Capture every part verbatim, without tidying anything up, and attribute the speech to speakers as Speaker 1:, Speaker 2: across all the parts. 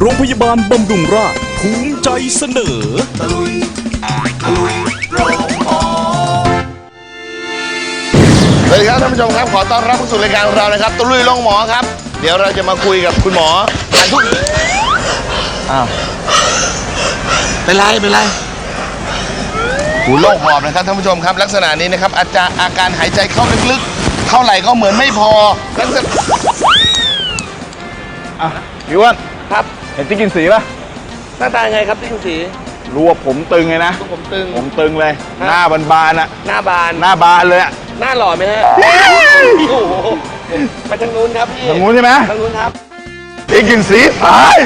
Speaker 1: รงพยาบาลบำรุงราษฎร์ภูมิใจเสนอตะลุยตะลุยโรงหมอ
Speaker 2: สวัสดีครับท่านผู้ชมครับขอต้อนรับเข้าสู่รายการของเรานะครับตะลุยโรงหมอครับเดี๋ยวเราจะมาคุยกับคุณหมอการทุกอ้าวเป็นไรเป็นไรหูโรคหอบนะครับท่านผู้ชมครับลักษณะนี้นะครับอาจารย์อาการหายใจเข้าลึกๆเท่าไหร่ก็เหมือนไม่พอลักษณะ
Speaker 3: อ่ะพี่อ้วนครับเห็นติ๊กกินสีป่ะ
Speaker 2: หน้าตาไงครับที่คุณสี
Speaker 3: รู้ว่าผมตึงไงนะ
Speaker 2: ผมตึง
Speaker 3: ผมตึงเลยหน้าบานๆอะ
Speaker 2: หน้าบาน
Speaker 3: หน้าบานเลยอะ
Speaker 2: หน้าหล่อไหมฮะโอ้โหไปทางนู้นครับพี่
Speaker 3: ทางนู้นใช่ไหม
Speaker 2: ทางนู้นครับ
Speaker 3: ติ๊กกินสีตาย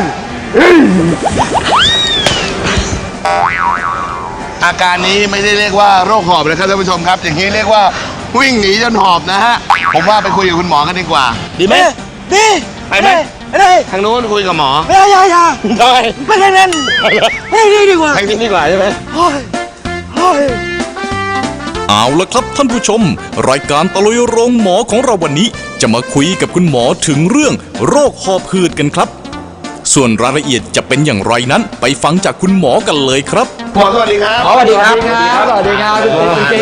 Speaker 2: อาการนี้ไม่ได้เรียกว่าโรคหอบนะครับท่านผู้ชมครับอย่างนี้เรียกว่าวิ่งหนีจนหอบนะฮะผมว่าไปคุยกับคุณหมอกันดีกว่าดีไหม
Speaker 4: ดี
Speaker 2: ไปไหม
Speaker 4: ไม่ได้
Speaker 2: ทางนู้นคุยกับหมอ
Speaker 4: ไม่ได้อย่าอย่า
Speaker 2: ทำไม
Speaker 4: ไม่ได้นั่นไม่ได้ดีกว่า
Speaker 2: ทางนี้ดีกว่าใช่ไหม
Speaker 4: โอ้ยโอ้ย
Speaker 1: เอาละครับท่านผู้ชมรายการตะลุยโรงหมอของเราวันนี้จะมาคุยกับคุณหมอถึงเรื่องโรคหอบหืดกันครับส่วนรายละเอียดจะเป็นอย่างไรนั้นไปฟังจากคุณหมอกันเลยครับ
Speaker 2: หมอสวัสดีครับ
Speaker 4: สวัสดีครับสวัสดีครับคุณเจ๊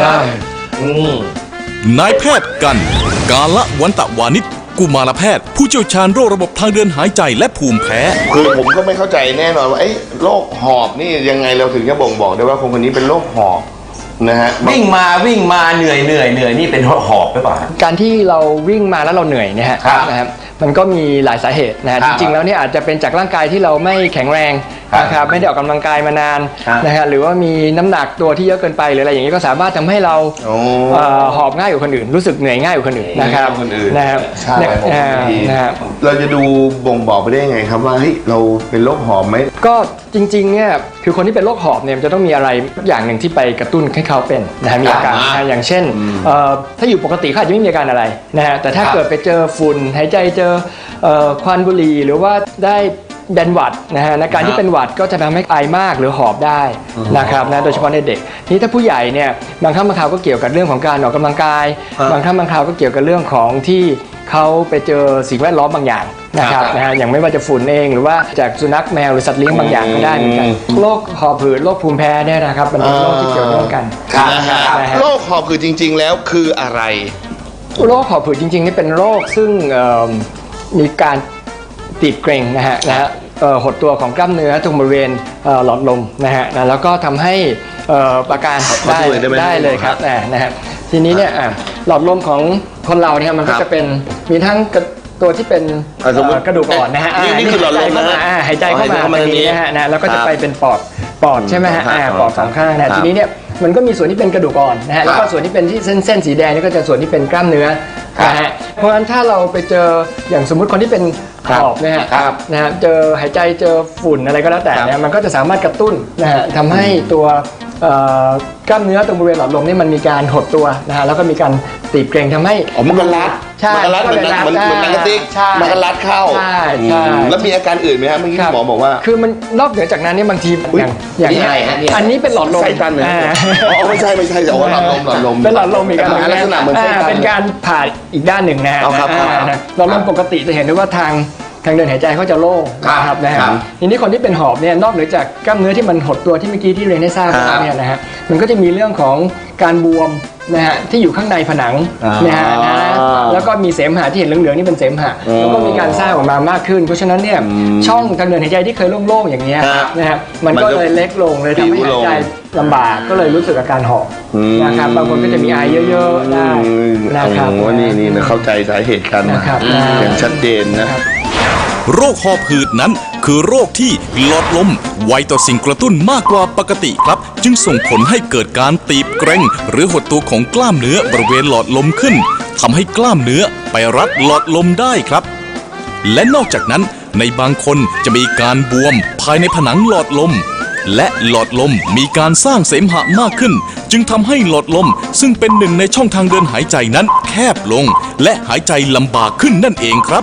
Speaker 1: นายแพทย์กันกาละวันตะวานิชกุมารแพทย์ผู้เชี่ยวชาญโรคระบบทางเดินหายใจและภูมิแพ้
Speaker 2: คือผมก็ไม่เข้าใจแน่นอนว่าไอ้โรคหอบนี่ยังไงเราถึงจะบ่งบอกได้ว่าคนคนนี้เป็นโรคหอบนะฮะ
Speaker 5: วิ่งมาวิ่งมาเหนื่อยเหนื่อยเหนื่อยนี่เป็นหอบหรือเปล่า
Speaker 4: การที่เราวิ่งมาแล้วเราเหนื่อยเนี่ยนะครับมันก็มีหลายสาเหตุนะฮะจริงๆแล้วเนี่ยอาจจะเป็นจากร่างกายที่เราไม่แข็งแรงนะครับไม่ได้ออกกำลังกายมานานนะฮะหรือว่ามีน้ำหนักตัวที่เยอะเกินไปหรืออะไรอย่างนี้ก็สามารถทำให้เราหอบง่ายกว่าคนอื่นรู้สึกเหนื่อยง่ายกว่าคนอื่นนะครับนะครับ
Speaker 2: นะครับเราจะดูบ่งบอกไปได้ยังไงครับว่าเฮ้ยเราเป็นโรคหอบไหม
Speaker 4: ก็จริงๆเนี่ยคือคนที่เป็นโรคหอบเนี่ยจะต้องมีอะไรอย่างหนึ่งที่ไปกระตุ้นให้เขาเป็นนะฮะมีอาการนะอย่างเช่นถ้าอยู่ปกติเขาอาจจะไม่มีอาการอะไรนะฮะแต่ถ้าเกิดไปเจอฝุ่นหายใจเจอควันบุหรี่หรือว่าได้เป็นหวัดนะฮะในการที่เป็นหวัดก็จะทำให้ไอมากหรือหอบได้นะครับนะโดยเฉพาะในเด็กนี่ถ้าผู้ใหญ่เนี่ยบางครั้งบางคราวก็เกี่ยวกับเรื่องของการออกกำลังกายบางครั้งบางคราวก็เกี่ยวกับเรื่องของที่เขาไปเจอสิ่งแวดล้อมบางอย่างนะครับนะฮะอย่างไม่ว่าจะฝุ่นเองหรือว่าจากสุนัขแมวหรือสัตว์เลี้ยงบางอย่างก็ได้เหมือนกันโรคหอบหืดโรคภูมิแพ้เนี่ยนะครับมันเป็นโรคที่เกี่ยวเนื่องกัน
Speaker 2: โรคหอบหืดจริงๆแล้วคืออะไร
Speaker 4: โรคหอบหืดจริงๆนี่เป็นโรคซึ่งมีการตีบเกร็งนะฮะนะฮะหดตัวของกล้ามเนื้อตรงบริเวณหลอดลมนะฮะแล้วก็ทำให้อาการได้ได้เลยครับนะฮะทีนี้เนี่ยหลอดลมของคนเราเนี่ยมันก็จะเป็นมีทั้งตัวที่เป็นกระดูกอ่อนนะฮะ
Speaker 2: นี่คือหลอดลมนะ
Speaker 4: หายใจเข้ามาตรงนี้นะฮะนะแล้วก็จะไปเป็นปอดปอดใช่ไหมฮะปอดสองข้างนะทีนี้เนี่ยมันก็มีส่วนที่เป็นกระดูกอ่อนนะฮะแล้วก็ส่วนที่เป็นที่เส้นเส้นสีแดงนี่ก็จะส่วนที่เป็นกล้ามเนื้อนะฮะเพราะฉะนั้นถ้าเราไปเจออย่างสมมุติคนที่เป็นหอบนะฮะนะฮะเจอหายใจเจอฝุ่นอะไรก็แล้วแต่เนี่ยมันก็จะสามารถกระตุ้นนะฮะทำให้ตัวกล้ามเนื้อตรงบริเวณหลอดลมนี่มันมีการหดตัวนะฮะแล้วก็มีการตีบเกร็งทำให้
Speaker 2: อ๋อมันกันรัด
Speaker 4: ใช่
Speaker 2: มันรัดเหมือนเหมือนเหมือนหนังกระติกมันกันรัดเข้า
Speaker 4: ใช่ใช่
Speaker 2: แล้วมีอาการอื่นไหมครับเมื่อกี้หมอบอกว่า
Speaker 4: คือมันนอกเหนือจากนั้นนี่บางทีอย่างอย่างนี้อันนี้เป็นหลอดลม
Speaker 2: ไส้ตันเหมือนอ๋อไม่ใช่ไม่ใช่แต่ว่าหลอดลมหลอดลม
Speaker 4: เป็นหลอดลมอีกอัน
Speaker 2: ลักษณะเหมือนไส้ตัน
Speaker 4: เป็นการผ่าอีกด้านหนึ่งนะฮะหลอดลมปกติจะเห็นได้ว่าทางทางเดินหายใจเขาจะโล่งนะครับนะฮะทีนี้คนที่เป็นหอบเนี่ยนอกเหนือจากกล้ามเนื้อที่มันหดตัวที่เมื่อกี้ที่เรียนให้ทราบแล้วเนี่ยนะฮะมันก็จะมีเรื่องของการบวมนะฮะที่อยู่ข้างในผนังนะฮะนะแล้วก็มีเสมหะที่เห็นเหลืองๆนี่เป็นเสมหะแล้วก็มีการสร้างออกมามากขึ้นเพราะฉะนั้นเนี่ยช่องทางเดินหายใจที่เคยโล่งๆอย่างเงี้ยนะฮะมันก็เลยเล็กลงเลยทำให้หายใจลำบากก็เลยรู้สึกอาการหอบนะครับบางคนก็จะมีไอเยอะๆได้นะครับ
Speaker 2: ว่านี่นี่เข้าใจสาเหตุกันอย่างชัดเจนนะ
Speaker 1: โรคหอบหืดนั้นคือโรคที่หลอดลมไวต่อสิ่งกระตุ้นมากกว่าปกติครับจึงส่งผลให้เกิดการตีบเกร็งหรือหดตัวของกล้ามเนื้อบริเวณหลอดลมขึ้นทำให้กล้ามเนื้อไปรัดหลอดลมได้ครับและนอกจากนั้นในบางคนจะมีการบวมภายในผนังหลอดลมและหลอดลมมีการสร้างเสมหะมากขึ้นจึงทำให้หลอดลมซึ่งเป็นหนึ่งในช่องทางเดินหายใจนั้นแคบลงและหายใจลำบากขึ้นนั่นเองครับ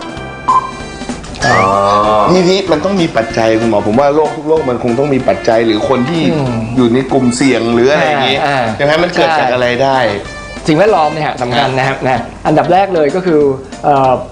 Speaker 2: นี่นี่มันต้องมีปัจจัยคุณหมอผมว่าโรคทุกโรคมันคงต้องมีปัจจัยหรือคนที่อยู่ในกลุ่มเสี่ยงหรืออะไรอย่างนี้ดังนั้นมันเกิดจากอะไรได้
Speaker 4: สิ่งแวดล้อมเนี่ยสำคัญนะครับนะอันดับแรกเลยก็คือ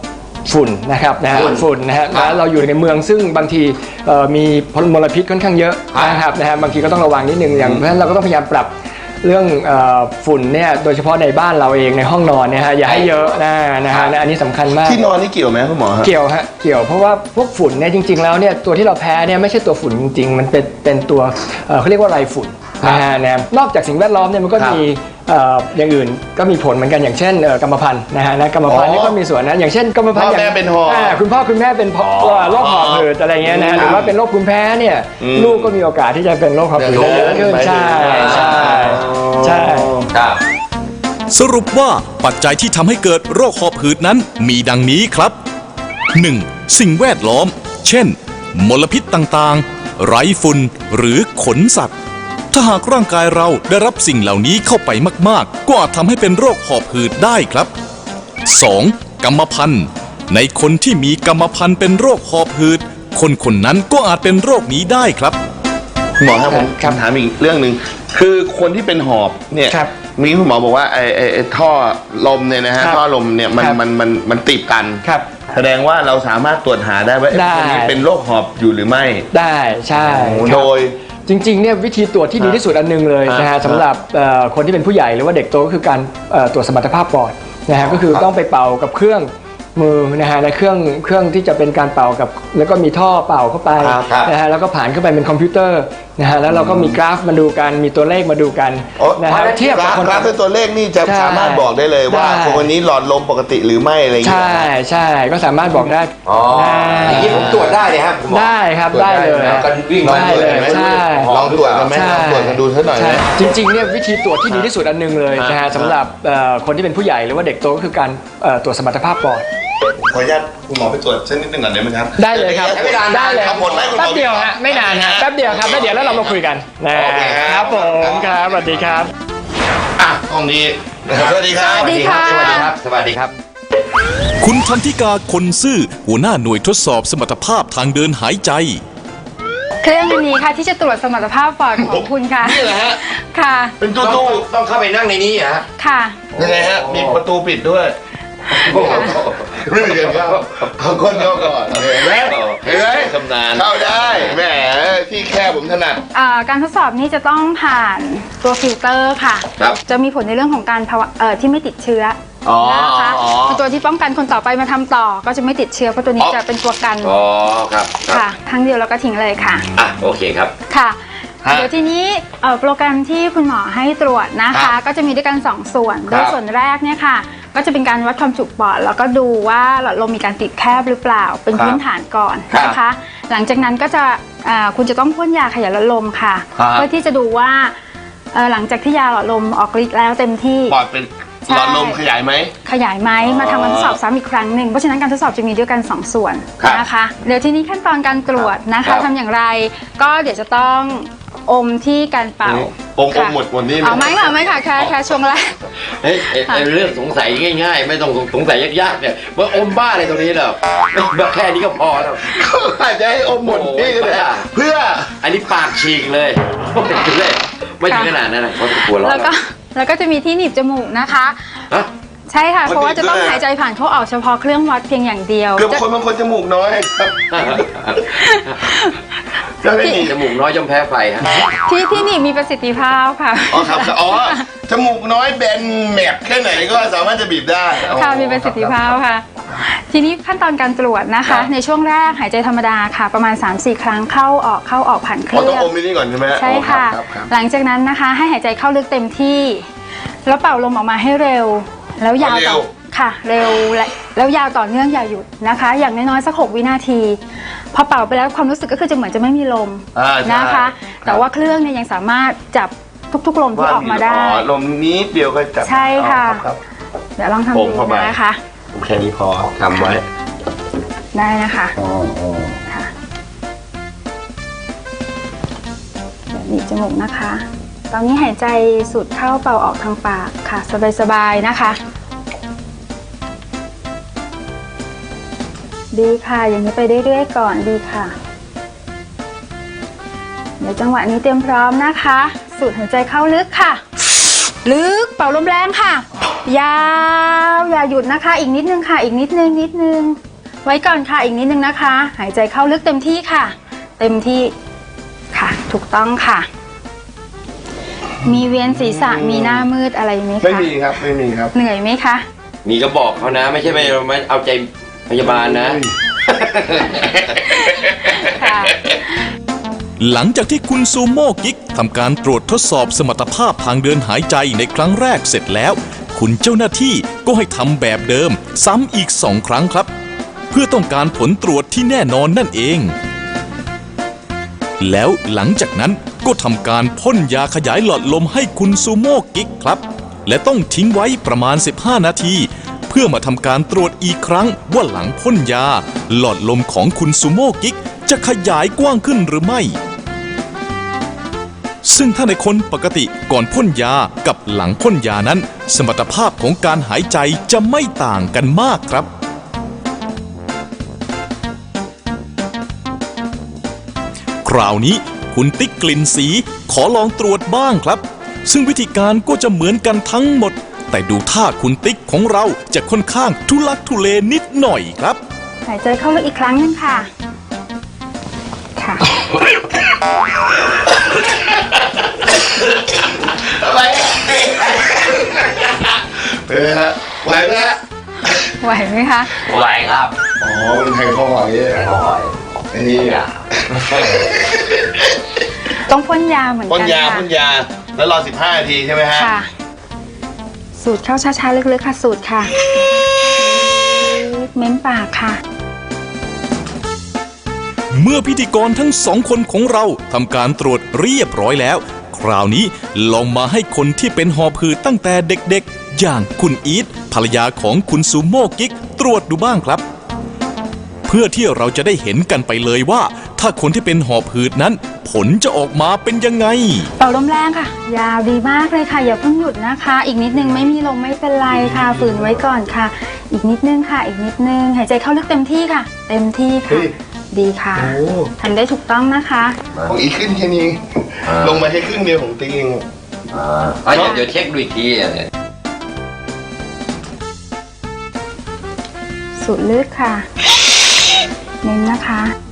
Speaker 4: ฝุ่นนะครับนะฮะ
Speaker 5: ฝุ่น
Speaker 4: ฝุ่นนะฮะแล้วเราอยู่ในเมืองซึ่งบางทีเอ่อมีมลพิษค่อนข้างเยอะนะครับนะฮะบางทีก็ต้องระวังนิดนึงอย่างเพราะฉะนั้นเราก็ต้องพยายามปรับเรื่องเอ่อฝุ่นเนี่ยโดยเฉพาะในบ้านเราเองในห้องนอนเนี่ยฮะอย่าให้เยอะนะนะฮะอันนี้สำคัญมาก
Speaker 2: ที่นอนนี่เกี่ยวไหมคุณหมอฮะ
Speaker 4: เกี่ยวฮะเกี่ยวเพราะว่าพวกฝุ่นเนี่ยจริง ๆแล้วเนี่ยตัวที่เราแพ้เนี่ยไม่ใช่ตัวฝุ่นจริงๆมันเป็นเป็นตัวเอ่อเขาเรียกว่าไรฝุ่นนะฮะนะนอกจากสิ่งแวดล้อมเนี่ยมันก็มีเอ่ออย่างอื่นก็มีผลเหมือนกันอย่างเช่นเอ่อกรรมพันธุ์นะฮะนะกรรมพันธุ์นี่ก็มีส่วนนะอย่างเช่นกรรมพันธุ์
Speaker 2: พ่อแม่เป็นหอบ
Speaker 4: าคุณพ่อคุณแม่เป็นเพราะโรคหอบหืดอะไรเงี้ยนะหรือว่าเป็นโรคภูมิแพ้เนี่ยลูกก็มีโอกาสที่จะเป็นโรคหอบหืดได้เยอะขึ้นใช่ใช่ใช่
Speaker 5: ครับ
Speaker 1: สรุปว่าปัจจัยที่ทำให้เกิดโรคหอบหืดนั้นมีดังนี้ครับ หนึ่ง. สิ่งแวดล้อม เช่น มลพิษต่างๆ ไรฝุ่นหรือขนสัตว์ ถ้าหากร่างกายเราได้รับสิ่งเหล่านี้เข้าไปมากๆ ก็อาจทำให้เป็นโรคหอบหืดได้ครับ สอง. กรรมพันธุ์ ในคนที่มีกรรมพันธุ์เป็นโรคหอบหืด คนคนนั้นก็อาจเป็นโรคนี้ได้ครับ
Speaker 2: คุณหมอครับผม
Speaker 4: ครับ
Speaker 2: ถามอีกเรื่องหนึ่งคือคนที่เป็นหอบเนี่ย
Speaker 4: ครับ
Speaker 2: มีคุณหมอบอกว่าไอ้ไอ้ไอ้ท่อลมเนี่ยนะฮะ
Speaker 4: ครับ
Speaker 2: ท่อลมเนี่ยมัน
Speaker 4: ครับ
Speaker 2: มันมันมันติดกัน
Speaker 4: ครับ
Speaker 2: แสดงว่าเราสามารถตรวจหาได้ว่าไอ้
Speaker 4: ได้
Speaker 2: คนนี้เป็นโรคหอบอยู่หรือไม่
Speaker 4: ได้ใช่ครับ
Speaker 2: โดย
Speaker 4: จริงๆเนี่ยวิธีตรวจที่ดีที่สุดอันหนึงเลยนะ
Speaker 2: ครั
Speaker 4: ฮะ
Speaker 2: บ
Speaker 4: สำหรับเอ่อคนที่เป็นผู้ใหญ่หรือว่าเด็กโตก็คือการเอ่อตรวจสมรรถภาพปอดนะฮะก็คือต้องไปเป่ากับเครื่องมือนะฮะในเครื่องเครื่องที่จะเป็นการเป่ากับแล้วก็มีท่อเป่าเข้าไป
Speaker 5: ครับครับ
Speaker 4: นะฮะแล้วก็ผ่านเข้าไปเป็นคอมพิวเตอร์นะฮะแล้วเราก็มีกราฟมาดูกันมีตัวเลขมาดูกัน
Speaker 2: โอ้
Speaker 4: นะฮะเทียบ
Speaker 2: ก
Speaker 4: กับ
Speaker 2: ราฟ
Speaker 4: คน
Speaker 2: กราฟด้วยตัวเลขนี่จะ
Speaker 4: ใช่
Speaker 2: สามารถบอกได้เลยว่า
Speaker 4: ได้
Speaker 2: คนนี้หลอดลมปกติหรือไม่อะไรอย่างเงี้
Speaker 4: ใช่
Speaker 2: ย
Speaker 4: ใช่ก็สามารถบอกได้
Speaker 5: อ๋อ
Speaker 4: ได้
Speaker 5: อย่างนี้ผมตรวจได้เลยครับคุณหมอ
Speaker 4: ได้ครับได้เลย
Speaker 5: แล้วกันวิ่ง
Speaker 4: ได้เลย
Speaker 2: ไหม
Speaker 4: ใช่
Speaker 2: ลองตรวจกันไหมลองตรวจกันดูสักหน่อยไหม
Speaker 4: ใช่จริงๆเนี่ยวิธีตรวจที่ดีที่สุดอันหนึงเลยนะ
Speaker 2: ครั
Speaker 4: ฮะ
Speaker 2: บ
Speaker 4: สำหรับเอ่อคนที่เป็นผู้ใหญ่หรือว่าเด็กโตก็คือการเอ่อตรวจสมรรถภาพปอด
Speaker 2: ขออนุญาตคุณหมอไปตรวจสักนิดหนึ่งก่อนได้ไหมครับ
Speaker 4: ได้เลยครับ
Speaker 2: ใช้เวลา
Speaker 4: ได้เลย
Speaker 2: ครับผลไหมคุณหมอ
Speaker 4: แป๊บเดียวฮะไม่นานฮะแป๊บเดียวครับแล้วเดี๋ยวแล้วเรามาคุยกันนะ
Speaker 2: โอเคครับ
Speaker 4: ครับผมครับสวัสดีครับ
Speaker 2: อ่ะห้องนี้สวัสดีครับ
Speaker 6: สวัสดีค่ะ
Speaker 5: สวัสดีครับ สวัสดีครับ
Speaker 1: คุณทันธิกาคนซื่อหัวหน้าหน่วยทดสอบสมรรถภาพทางเดินหายใจ
Speaker 6: เครื่องอันนี้ค่ะที่จะตรวจสมรรถภาพปอดของคุณค่ะ
Speaker 2: นี่เหรอฮะ
Speaker 6: ค่ะ
Speaker 2: เป็นตู้
Speaker 5: ต้อง
Speaker 2: ตู้
Speaker 5: ต้องเข้าไปนั่งในนี้เหรอฮะ
Speaker 6: ค่ะ
Speaker 2: ยังไงฮะมีประตูปิดด้วยไม่มีกันเข้าเขาคนเข้าก่อนเห็นไหมเห็นไหมชำนาญเข้าได้แหมที่แค่ผมถนัด
Speaker 6: อ่าการทดสอบนี้จะต้องผ่านตัวฟิลเตอร์ค่ะ
Speaker 2: ครับ
Speaker 6: จะมีผลในเรื่องของการภาวะเอ่อที่ไม่ติดเชื้ออ
Speaker 2: อ
Speaker 6: นะคะ
Speaker 2: อ๋อ
Speaker 6: เป็นตัวที่ป้องกันคนต่อไปมาทำต่อ ก็จะไม่ติดเชื้อเพราะตัวนี้
Speaker 2: อ๋อ
Speaker 6: จะเป็นตัวกัน
Speaker 5: อ๋อ ครับครับ
Speaker 6: ค่ะครั้งเดียวแล้วก็ทิ้งเลยค่ะ
Speaker 5: อ่ะ โอเคครับ
Speaker 6: ค่ะ
Speaker 2: ฮะ
Speaker 6: เดี๋ยวทีนี้เอ่อโปรแกรมที่คุณหมอให้ตรวจนะ
Speaker 2: ครั
Speaker 6: คะ
Speaker 2: บ
Speaker 6: ก็จะมีด้วยกันสองส่วน
Speaker 2: ค
Speaker 6: โด
Speaker 2: รับ
Speaker 6: ยส่วนแรกเนี่ยค่ะ ก็จะเป็นการวัดความจุปอดแล้วก็ดูว่าหลอดลมมีการติดแคบหรือเปล่าเป็น
Speaker 2: ครับ
Speaker 6: พื้นฐานก่อน
Speaker 2: ครับ
Speaker 6: นะคะ หลังจากนั้นก็จะอ่าคุณจะต้องพ่นยาขยายหลอดลมค่ะ
Speaker 2: ครับ
Speaker 6: เพื่อที่จะดูว่าเอ่อหลังจากที่ยาหลอดลมออกฤทธิ์แล้วเต็มที่
Speaker 2: ปอดเป็น
Speaker 6: ใช่
Speaker 2: หลอดลมขยายไหม
Speaker 6: ขยายไหม
Speaker 2: อ๋อ
Speaker 6: มาทำการทดสอบซ้ำอีกครั้งหนึ่งเพราะฉะนั้นการทดสอบจะมีด้วยกันสองส่วน
Speaker 2: ครับ
Speaker 6: นะคะ เดี๋ยวทีนี้ขั้นตอนการตรวจนะ
Speaker 2: ครั
Speaker 6: คะ
Speaker 2: บ
Speaker 6: ทำอย่างไร ก็เดี๋ยวจะต้องอมที่การเป่า
Speaker 2: อมอม
Speaker 6: ค่ะ
Speaker 2: หมดหมดนี่
Speaker 6: เอาไหมค่ะไม่ค่ะแค่แค่ช่วงแรก
Speaker 5: เฮ้ยไอ้ไอ้เรื่องสงสัยง่ายๆ ไม่ต้องสงสัยยากๆเนี่ยว่าอมบ้าอะไรตรงนี้เหรอไม่แค่นี้ก็พอแล้ว
Speaker 2: เขาอาจจะให้อมหมดนี่ก็ได้
Speaker 5: โอ้โห
Speaker 2: เพื่อ
Speaker 5: อันนี้ปากฉีกเลยเลยไม่ถึงขนาดนั้นนะเขาจะกลัวเรา
Speaker 6: แล้วก็แล้วก็จะมีที่หนีบจมูกนะคะ
Speaker 5: ฮะ
Speaker 6: ใช่ค่ะ
Speaker 2: มัน
Speaker 6: เพราะว่าจะต้อง
Speaker 2: หนีบด้วย
Speaker 6: หายใจผ่านเข้าออกเฉพาะเครื่องวัดเพียงอย่างเดียว
Speaker 2: เกือบ
Speaker 6: จะ
Speaker 2: คนบางคนจมูกน้อยครับจะไม่มี
Speaker 5: จมูกน้อยย่อมแพ้ไฟฮะ
Speaker 6: ที่ที่หนีบมีประสิทธิภาพค่ะ
Speaker 2: อ๋อครับอ๋อจมูกน้อยแบนแมบแค่ไหนก็สามารถจะบีบได้
Speaker 6: ค่ะมีประสิทธิภาพค่ะ ทีนี้ขั้นตอนการตรวจนะ
Speaker 2: ครั
Speaker 6: คะ
Speaker 2: บ
Speaker 6: ในช่วงแรกหายใจธรรมดาค่ะ ประมาณ สามสี่ ครั้งเข้าออกเข้าออกผ่านเค
Speaker 2: อ๋อ
Speaker 6: รื่
Speaker 2: ต้อง
Speaker 6: อง
Speaker 2: อมนี่ก่อนใช่ไหม
Speaker 6: ใช่ค่ะ
Speaker 2: อ๋อรับครับ
Speaker 6: หลังจากนั้นนะคะ ให้หายใจเข้าลึกเต็มที่ แล้วเป่าลมออกมาให้เร็ว แล้วยาวต่อค่ะ เร็วและแล้วยาวต่อเนื่องอย่าหยุดนะคะ อย่างน้อยๆสักหกวินาที พอเป่าไปแล้วความรู้สึกก็คือจะเหมือนจะไม่มีลม
Speaker 2: อ่าใช่
Speaker 6: นะคะ แต่ว่าเครื่องเนี่ยยังสามารถจับทุกๆลมที่ออกมาได้
Speaker 2: อ๋อลมนี้เดียวก็จับ
Speaker 6: ใช่ค่ะ
Speaker 2: อ๋อรับ
Speaker 6: เดี๋ยวลองทำ
Speaker 2: โป่
Speaker 6: ดู
Speaker 2: งเข้าไป
Speaker 6: นะคะ
Speaker 2: ผมแค่นี้พอทำไว้
Speaker 6: ได้นะคะ
Speaker 2: อ๋ออ๋อ
Speaker 6: ค่ะเดี๋ยวหนีบจมูกนะคะ ตอนนี้หายใจสูดเข้าเป่าออกทางปากค่ะ สบายๆนะคะ ดีค่ะ อย่างนี้ไปเรื่อยๆก่อนดีค่ะ เดี๋ยวจังหวะนี้เตรียมพร้อมนะคะ สูดหายใจเข้าลึกค่ะ ลึกเป่าลมแรงค่ะ ยาวอย่าหยุดนะคะ อีกนิดนึงค่ะ อีกนิดนึงนิดนึงไว้ก่อนค่ะอีกนิดนึงนะคะ หายใจเข้าลึกเต็มที่ค่ะ เต็มที่ค่ะถูกต้องค่ะ มีเวียนศีรษะมีหน้ามืดอะไรไหมคะ
Speaker 2: ไม่มีครับไม่มีครับ
Speaker 6: เหนื่อยไหมคะ
Speaker 5: มีก็บอกเขานะ ไม่ใช่ไม่ไม่เอาใจพยาบาลนะ
Speaker 6: ค่ะ
Speaker 1: หลังจากที่คุณซูโม่กิ๊กทำการตรวจทดสอบสมรรถภาพทางเดินหายใจในครั้งแรกเสร็จแล้ว คุณเจ้าหน้าที่ก็ให้ทำแบบเดิมซ้ำอีกสองครั้งครับ เพื่อต้องการผลตรวจที่แน่นอนนั่นเอง แล้วหลังจากนั้นก็ทำการพ่นยาขยายหลอดลมให้คุณซูโม่กิ๊กครับ และต้องทิ้งไว้ประมาณสิบห้านาที เพื่อมาทำการตรวจอีกครั้งว่าหลังพ่นยา หลอดลมของคุณซูโม่กิ๊กจะขยายกว้างขึ้นหรือไม่ ซึ่งถ้าในคนปกติก่อนพ่นยากับหลังพ่นยานั้น สมรรถภาพของการหายใจจะไม่ต่างกันมากครับ คราวนี้คุณติ๊กกลิ่นสีขอลองตรวจบ้างครับ ซึ่งวิธีการก็จะเหมือนกันทั้งหมด แต่ดูท่าคุณติ๊กของเราจะค่อนข้างทุลักทุเลนิดหน่อยครับ
Speaker 6: หายใจเข้าลึกอีกครั้งหนึงค่ะ ค่ะ
Speaker 2: อะไรเป็นไงฮะไหวไหมฮะ
Speaker 6: ไหวไหมคะ
Speaker 5: ไหวครับ
Speaker 2: อ๋อเป็นไทยข้อไหวอันนี้
Speaker 6: ต้องพ่นยาเหมือน
Speaker 2: พ่
Speaker 6: กัน น
Speaker 2: ยา
Speaker 6: ค่ะ
Speaker 2: พ่นยาแล้วรอสิบห้านาทีใช่ไหมฮะ
Speaker 6: ค่ะ สูดเข้าช้าๆลึกๆค่ะสูดค่ะ เม้มปากค่ะ
Speaker 1: เมื่อพิธีกรทั้งสองคนของเราทำการตรวจเรียบร้อยแล้ว คราวนี้ลองมาให้คนที่เป็นหอบหืดตั้งแต่เด็กๆ อย่างคุณอีทภรรยาของคุณซูโม่กิ๊กตรวจดูบ้างครับ เพื่อที่เราจะได้เห็นกันไปเลยว่า ถ้าคนที่เป็นหอบหืดนั้น ผลจะออกมาเป็นยังไง
Speaker 6: เป่าลมแรงค่ะ ยาวดีมากเลยค่ะ อย่าเพิ่งหยุดนะคะ อีกนิดนึงไม่มีลมไม่เป็นไรค่ะ ฝืนไว้ก่อนค่ะ อีกนิดนึงค่ะ อีกนิดนึงหายใจเข้าลึกเต็มที่ค่ะ เต็มที่ค่ะ ดีค่ะทำได้ถูกต้องนะคะ
Speaker 2: ของอีกขึ้นแค่นี้ ลงมาแค่ครึ่งเดียวของติ๊กเอง
Speaker 5: อ่าเดี๋ยวเดี๋ยวเช็คดูอีกทีอ่ะเนี่ย
Speaker 6: สูดลึกค่ะ เน้นนะคะ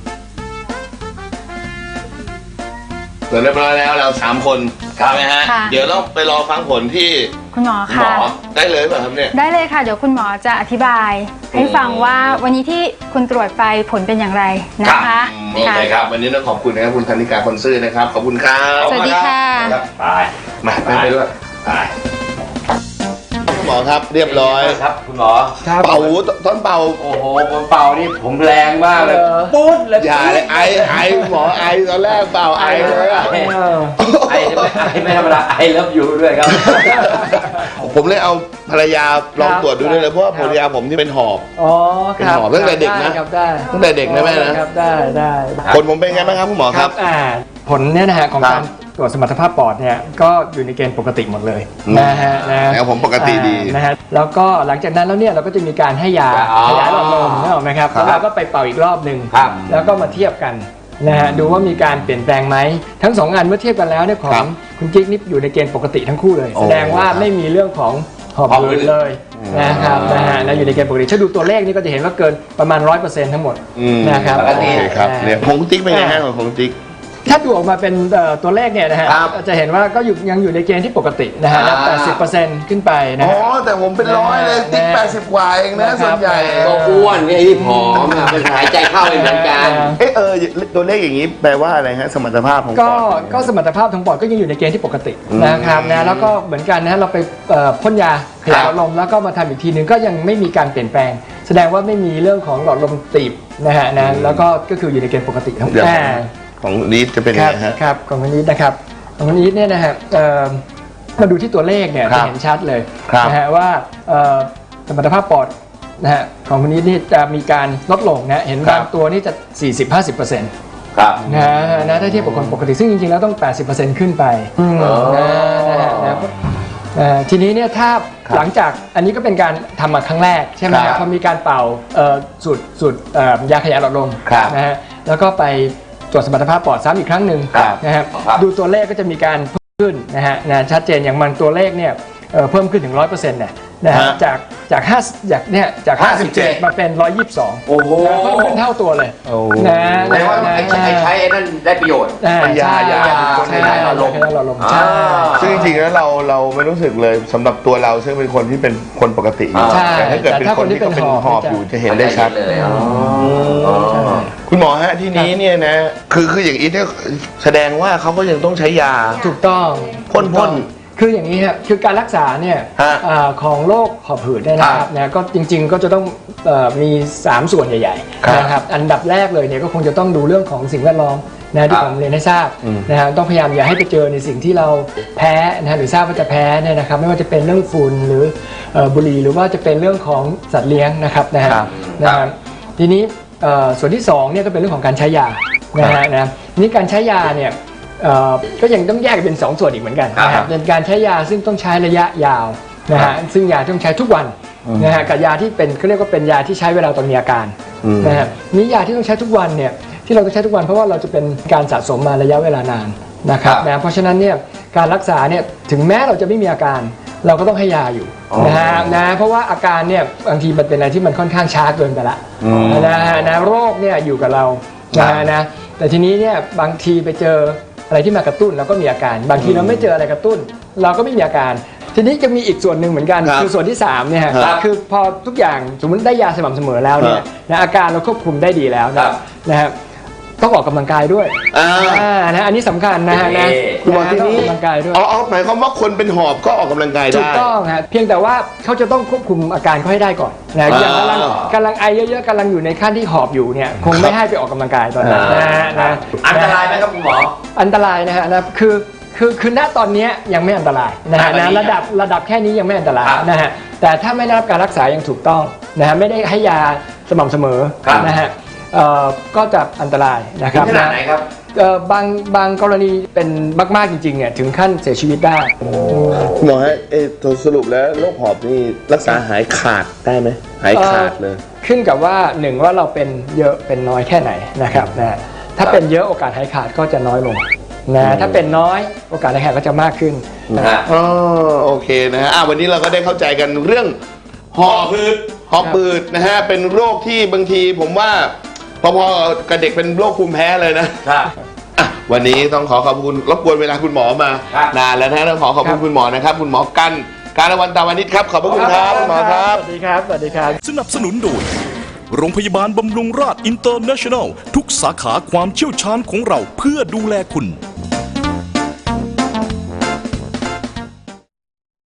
Speaker 2: เสร็จเรียบร้อยแล้วเราสามคนใช่ไหมฮะ
Speaker 6: ค่ะ
Speaker 2: เดี๋ยวต้องไปรอฟังผลที่
Speaker 6: คุณหมอ
Speaker 2: หม
Speaker 6: ค่ะ
Speaker 2: อได้เลยป่ะครับเนี่ย
Speaker 6: ได้เลยค่ะ เดี๋ยวคุณหมอจะอธิบาย ให้ฟังว่าวันนี้ที่คุณตรวจไปผลเป็นอย่างไรนะคะ
Speaker 2: โอเคครับวันนี้ต้องขอบคุณนะครับคุณธนิกาคนซื่อนะครับขอบคุณครับ
Speaker 6: สวัสดีค่ะ
Speaker 5: ไป
Speaker 2: มาไปไปด้วย
Speaker 5: ไป
Speaker 2: คุณหมอครับเรียบร้อย
Speaker 5: ครับคุณหมอ
Speaker 2: เป่าต้นเป่า
Speaker 5: โอ้โหผมเป่านี่ผมแรงมากเลยปุ๊ดเลย
Speaker 2: อย่าเลยไอไอหมอไอตอนแรกเป่าไอเลยอะ
Speaker 5: ไอไอไม่ไอไม่ธรรมดาไอเลิฟยูด้วยครับ
Speaker 2: ผมเลยเอาภรรยาลองตรวจดูด้วยเลยเพราะว่าภรรยาผมที่เป็นหอบ
Speaker 4: อ๋อ
Speaker 2: เป็นหอบตั้งแต่เด็กนะ
Speaker 4: ครับได้
Speaker 2: ตั้งแต่เด็กนะแม่นะ
Speaker 4: ครับได้ได้
Speaker 2: ผลผมเป็นไงบ้างครับคุณหมอครับ
Speaker 4: อ่าผลเนี่ยนะฮะของ
Speaker 2: ครั
Speaker 4: กา
Speaker 2: บ
Speaker 4: รตรวจสมรรถภาพปอดเนี่ยก็อยู่ในเกณฑ์ปกติหมดเลย
Speaker 2: อืม
Speaker 4: นะฮะนะ
Speaker 2: แล้วผมปกติดี
Speaker 4: อ่านะฮะแล้วก็หลังจากนั้นแล้วเนี่ยเราก็จะมีการให้ยา
Speaker 5: อ๋อ
Speaker 4: ขยายหลอดลมนึกออกไหมครับ
Speaker 2: ครับ
Speaker 4: แล้วเราก็ไปเป่าอีกรอบหนึ่ง
Speaker 5: ครับ
Speaker 4: แล้วก็มาเทียบกันนะฮะดูว่ามีการเปลี่ยนแปลงไหมทั้งสองงานเมื่อเทียบกันแล้วเนี่ยของคุณกิ๊กนี่อยู่ในเกณฑ์ปกติทั้งคู่เลย
Speaker 2: โอ้
Speaker 4: แสดงว่าไม่มีเรื่องของหอบหืดเลยนะครับนะฮะนะอยู่ในเกณฑ์ปกติถ้าดูตัวเลขนี่ก็จะเห็นว่าเกินประมาณร้อยเปอร์เซ็นต์ทั้งหมด
Speaker 2: อืม
Speaker 4: นะครับ
Speaker 5: ปกติ
Speaker 2: โอเคครับ
Speaker 4: อ่า
Speaker 2: เนี่ยผงติ๊กเป็นไงฮะของผงติ๊ก
Speaker 4: ถ้าดูออกมาเป็นเอ่อตัวเลขเนี่ยนะฮะ
Speaker 2: ครับ
Speaker 4: จะเห็นว่าก็อยู่ยังอยู่ในเกณฑ์ที่ปกตินะฮะ
Speaker 2: อ่า
Speaker 4: แปดสิบเปอร์เซ็นต์ขึ้นไปนะ
Speaker 2: อ๋อ
Speaker 4: ฮะ
Speaker 2: แต่ผมเป็นร้อยเลยติ๊ก
Speaker 4: นะ
Speaker 2: แปดสิบกว่าเองนะ
Speaker 4: นะครับ
Speaker 2: ส่วนใหญ่
Speaker 5: ก็อ้วนไอ้ที่ผอมอะมันหายใจเข้าไม่เหมือนกัน
Speaker 2: เอะเออตัวเลขอย่างนี้แปลว่าอะไรฮะสมรรถภาพของป
Speaker 4: ก็
Speaker 2: อด
Speaker 4: ก็สมรรถภาพของปอดก็ยังอยู่ในเกณฑ์ที่ปกติ
Speaker 2: อืม
Speaker 4: นะครับนะแล้วก็เหมือนกันนะเราไปเอ่อพ่นยาขยายหลอดลมแล้วก็มาทำอีกทีหนึ่งก็ยังไม่มีการเปลี่ยนแปลง แสดงว่าไม่มีเรื่องของหลอดลมตีบนะฮะนะแล้วก็ก็คืออยู่ในเกณฑ์ปกติทั้งหมด
Speaker 2: เดี๋ยว
Speaker 4: อ่า
Speaker 2: ของลีดจะเป็น
Speaker 4: ค
Speaker 2: ยัง
Speaker 4: รับ
Speaker 2: ไงฮะ
Speaker 4: ครับของคนนี้นะครับของคนนี้เนี่ยนะฮะเอ่อมาดูที่ตัวเลขเนี่ย
Speaker 2: ครั
Speaker 4: จะ
Speaker 2: บ
Speaker 4: เห็นชัดเลย
Speaker 2: ครับ
Speaker 4: นะฮะว่าเอ่อสมรรถภาพปอดนะฮะของคนนี้นี่จะมีการลดลงนะเห็นบางตัวนี่จะ สี่สิบถึงห้าสิบเปอร์เซ็นต์
Speaker 5: ครับ
Speaker 4: นะนะถ้าเทียบกับคนปกติซึ่งจริงๆแล้วต้อง แปดสิบเปอร์เซ็นต์ ขึ้นไปนะนะฮะนะเอ่อทีนี้เนี่ยถ้าหลังจากอันนี้ก็เป็นการทำมาครั้งแรกใช่ไหม
Speaker 2: ค
Speaker 4: ค
Speaker 2: รั
Speaker 4: รั
Speaker 2: บบ
Speaker 4: พอมีการเป่าเอ่อสูตรสูตรเอ่อยาขยายหลอดลม
Speaker 2: ครับ
Speaker 4: นะฮะแล้วก็ไปตรวจสมรรถภาพปอดซ้ำอีกครั้งหนึ่ง
Speaker 2: ครับ
Speaker 4: นะฮะ
Speaker 5: ครับ
Speaker 4: ดูตัวเลขก็จะมีการเพิ่มขึ้นนะฮะนะชัดเจนอย่างมันตัวเลขเนี่ยเอ่อเพิ่มขึ้นถึง ร้อยเปอร์เซ็นต์ เนี่ยนะฮะ
Speaker 2: ฮะ
Speaker 4: จากจากห้าจากเนี่ยจาก
Speaker 2: ห้าสิบเจ็ด
Speaker 4: มาเป็นร้อยยี่สิบสอง
Speaker 2: โอ้โห
Speaker 4: เพิ่มขึ้นเท่าตัวเลย
Speaker 2: โอ้
Speaker 4: นะ
Speaker 5: แปลว่า
Speaker 4: นะ
Speaker 5: ไอ้ใช้ไอ้ใช้ไอ้นั่นได้ประโยชน์
Speaker 4: อ่า
Speaker 2: เป็นยา
Speaker 4: ใช่
Speaker 2: ยา
Speaker 4: ใช่
Speaker 5: เป็นยาหลอดลม
Speaker 4: ยาหลอดลมใช่
Speaker 2: ซึ่งจริงๆแล้วเราเราไม่รู้สึกเลยสำหรับตัวเราซึ่งเป็นคนที่เป็นคนปกติอยู่
Speaker 4: ใช่
Speaker 2: แต่ถ้าเกิดเป็นคนที่เขาเป็นหอบอยู่จะเห็นได้ชัด
Speaker 5: เลยอ๋อ
Speaker 2: คุณหมอฮะที่นี้เนี่ยนะคือคืออย่างอีทเนี่ยแสดงว่าเขาก็ยังต้องใช้ยา
Speaker 4: ถูกต้อง
Speaker 2: พ่นพ่น
Speaker 4: คืออย่างนี้ครับคือการรักษาเนี่ย
Speaker 2: ฮะ
Speaker 4: อ่าของโรคหอบหืดเนี่ยนะครับนะก็จริง ๆ ก็จะต้องเอ่อมีสามส่วนใหญ่
Speaker 2: ครับ
Speaker 4: ๆนะครับอันดับแรกเลยเนี่ยก็คงจะต้องดูเรื่องของสิ่งแวดล้อมนะที่ผมเรียนให้ทราบนะฮะต้องพยายามอย่าให้ไปเจอในสิ่งที่เราแพ้นะฮะหรือทราบว่าจะแพ้เนี่ยนะครับไม่ว่าจะเป็นเรื่องฝุ่นหรือเอ่อบุหรี่หรือว่าจะเป็นเรื่องของสัตว์เลี้ยงนะครับนะฮะ
Speaker 2: ครับ
Speaker 4: นะครับทีนี้เอ่อส่วนที่สองเนี่ยก็เป็นเรื่องของการใช้ยานะฮะนะทีนี้การใช้ยาเนี่ย เอ่อก็ยังต้องแยกเป็นสองส่วนอีกเหมือนกันนะครับเป็นการใช้ยาซึ่งต้องใช้ระยะยาวนะฮะซึ่งยาต้องใช้ทุกวันนะฮะกับยาที่เป็นเขาเรียกว่าเป็นยาที่ใช้เวลาตอนมีอาการนะฮะนี่ยาที่ต้องใช้ทุกวันเนี่ยที่เราต้องใช้ทุกวันเพราะว่าเราจะเป็นการสะสมมาระยะเวลานานนะครับนะเพราะฉะนั้นเนี่ยการรักษาเนี่ยถึงแม้เราจะไม่มีอาการ เราก็ต้องให้ยาอยู่นะฮะนะเพราะว่าอาการเนี่ยบางทีมันเป็นอะไรที่มันค่อนข้างช้าเกินไปละนะฮะนะโรคเนี่ยอยู่กับเรานะฮะนะแต่ทีนี้เนี่ยบางทีไปเจออะไรที่มากระตุ้นเราก็มีอาการ บางทีเราไม่เจออะไรกระตุ้น เราก็ไม่มีอาการ ทีนี้จะมีอีกส่วนหนึ่งเหมือนกัน
Speaker 2: ครับ
Speaker 4: คือส่วนที่สามเนี่ย
Speaker 2: ครับ
Speaker 4: คือพอทุกอย่างสมมติได้ยาสม่ำเสมอแล้วเนี่ยนะอาการเราควบคุมได้ดีแล้วนะนะฮะต้องออกกำลังกายด้วย
Speaker 2: อ่า
Speaker 4: อ่านะอันนี้สำคัญนะฮะนะ
Speaker 2: คุณหมอที
Speaker 4: ต้องอ
Speaker 2: นี้
Speaker 4: อกกำลังกายด้วย
Speaker 2: เอาเอาหมายความว่าคนเป็นหอบก็ออกกำลังกายได้
Speaker 4: ถูกต้องฮะเพียงแต่ว่าเขาจะต้องควบคุมอาการเขาให้ได้ก่อนนะอย่างกำลังกำลังไอเยอะๆกำลังอยู่ในขั้นที่หอบอยู่เนี่ยคงไม่ให้ไปออกกำลังกายตอนนั้นนะฮะนะ
Speaker 5: อันตรายไหมครับคุณหมอ
Speaker 4: อันตรายนะฮะนะคือคือคือณตอนนี้ยังไม่อันตรายนะฮะ
Speaker 5: อ่า
Speaker 4: นะ
Speaker 5: วันนี้
Speaker 4: ระดับระดับแค่นี้ยังไม่อันตราย
Speaker 5: ครับ
Speaker 4: นะฮะแต่ถ้าไม่ได้รับการรักษาอย่างถูกต้องนะฮะไม่ได้ให้ยาสม่ำเสมอ
Speaker 5: ครับ
Speaker 4: นะฮะเอ่อก็จะอันตรายนะค
Speaker 5: ถึ
Speaker 4: รับ
Speaker 5: งขนาดไหนครับ
Speaker 4: เอ่อบางบางกรณีเป็นมากๆจริงๆเนี่ยถึงขั้นเสียชีวิตได้
Speaker 2: คุณหมอฮะเออสรุปแล้วโรคหอบนี่รักษาหายขาดได้ไหมหายขาดเลย
Speaker 4: ขึ้นกับว่าหนึ่งว่าเราเป็นเยอะเป็นน้อยแค่ไหนนะครับนะถ้าเป็นเยอะโอกาสหายขาดก็จะน้อยลงนะถ้าเป็นน้อยโอกาสหายขาดก็จะมากขึ้นนะ
Speaker 5: ฮะ
Speaker 2: อ๋อโอเคนะฮะอ่ะวันนี้เราก็ได้เข้าใจกันเรื่องหอบหืดหอบหืดนะฮะเป็นโรคที่บางทีผมว่าพอๆกับเด็กเป็นโรคภูมิแพ้เลยนะครับ อ่ะวันนี้ต้องขอขอบคุณรบกวนเวลาคุณหมอมา
Speaker 5: ครับ
Speaker 2: นานแล้วนะฮะต้องขอขอบคุณคุณหมอนะครับคุณหมอกันการวันตาวันนิดครับขอบพระคุณครับคุณหมอครับ
Speaker 4: สวัสดีครับสวัสดีครับ
Speaker 1: สนับสนุนโดย โรงพยาบาลบำรุงราษอินเตอร์เนชั่นแนล ทุกสาขาความเชี่ยวชาญของเราเพื่อดูแลคุณ